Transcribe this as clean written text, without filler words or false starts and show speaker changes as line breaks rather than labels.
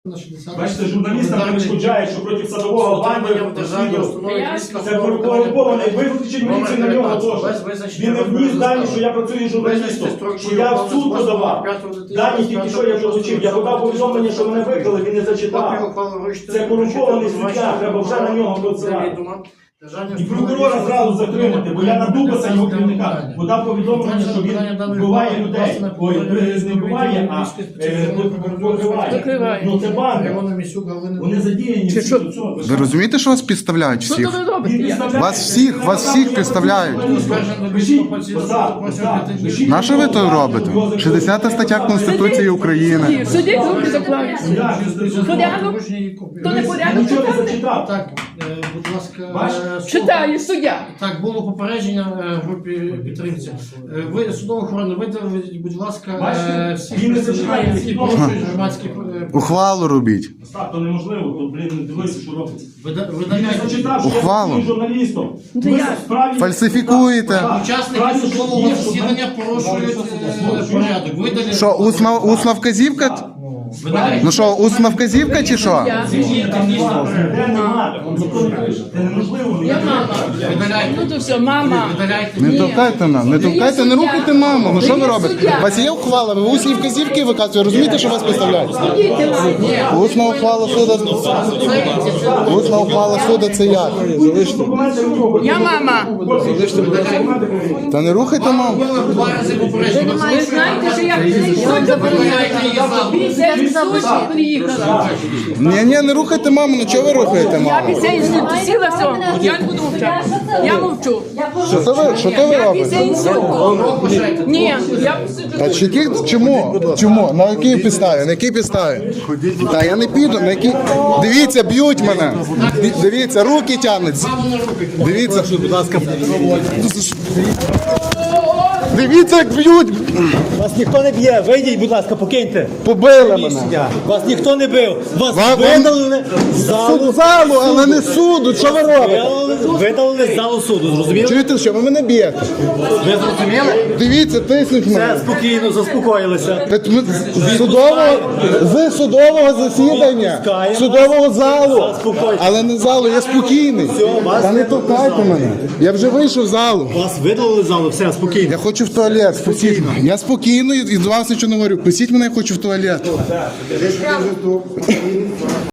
Бачите, журналістам перешкоджають, що проти садового банди це корумпований. Виключіть міліцію на нього теж. Він не вніс дані, що я працюю журналістом, що я в суд подавав. Дані тільки що я долучив. Я подав повідомлення, що мене викрили, він не зачитав. Це корумпований суддя, треба вже на нього працювати. І прокурора зразу затримати, бо я на Дубаса його керівника подав повідомлення, що він вбиває людей. Ой, не вбиває, а покриває. Ну це банди. Вони задіяні.
Ви розумієте, що вас підставляють всіх? Вас всіх підставляють. На що ви то робите? 60 стаття Конституції України.
Судіть руки заклали. Порядок? То не порядок читати?
Так, будь ласка.
Читає суддя.
Так, було попередження групі підтримці. Ви, судова охорона, видавіть, будь ласка, всіх представників, які порушують громадські...
Ухвалу робіть.
Так, то неможливо, то, блін, дивися, що робиться.
Видаляйте
ухвалу.
Журналістом.
Фальсифікуєте.
учасники судового засідання порушують порядок. Видаліть.
Що, усна вказівка?
Видаляйте.
Ну що, усна вказівка чи що?
Це неможливо.
Я мама.
Видаляйте.
Ну то все, мама.
Видаляйте.
Не толкайте нам, не толкайте, не рухайте маму. Ну що ви робите? У вас є ухвала, ви усні вказівки виказуєте, розумієте, що вас підставляють? Усна ухвала суду. Усна ухвала суду це як?
Я мама.
Та не рухайте маму.
Два рази попередження.
Ви знаєте, що я суд забороняю. Після суду приїхала.
Ні, не рухайте маму, ну чого ви рухаєте
Я
маму?
після інституту сіла, все. Я не буду мовчати. Я мовчу.
Що то ви
Я
робите?
після інституту. Ні, я посиджу.
Та чому? На якій підставі? На якій підставі? Та я не піду, на якій... Дивіться, б'ють мене. Дивіться, руки тягнуться. Дивіться, будь ласка. Дивіться, як б'ють.
Вас ніхто не б'є, вийдіть, будь ласка, покиньте.
Побили мене.
Вас ніхто не бив. Вас
Вам-
видалили з залу.
Залу, але не суду. Що ви робите?
Видалили з залу суду, зрозуміли?
Чуєте, що ви мене б'єте?
Ви зрозуміли?
Дивіться, тиснуть
Все,
мене.
спокійно, заспокоїлися.
З судового засідання, судового залу, але не залу, я спокійний. Та не толкайте мене. Я вже вийшов з залу.
Вас видалили з залу, все, спокійно.
Я хочу в туалет, спокійно. Я спокійно і до вас нічого не говорю. Пустіть мене, я хочу в туалет.